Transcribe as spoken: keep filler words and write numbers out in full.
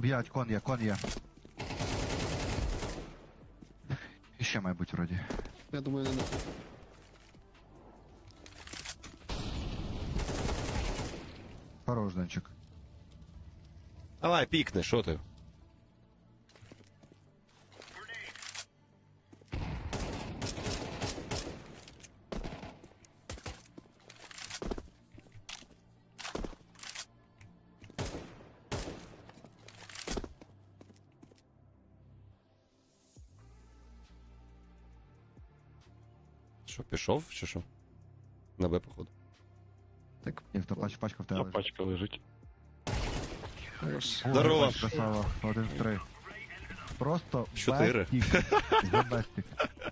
Б'ять, кон є, кон є. І ще має бути вроді. Я думаю, не. Хорош, Денчик. Давай, пікни, що ти? Що, пішов чи що? На Б, походу. Так, Як то пач, пачка в тебе А лежить. пачка лежить. хорош. О, Здорово. бач, красава. Один в три. Просто Чотири. бестік. За бестік.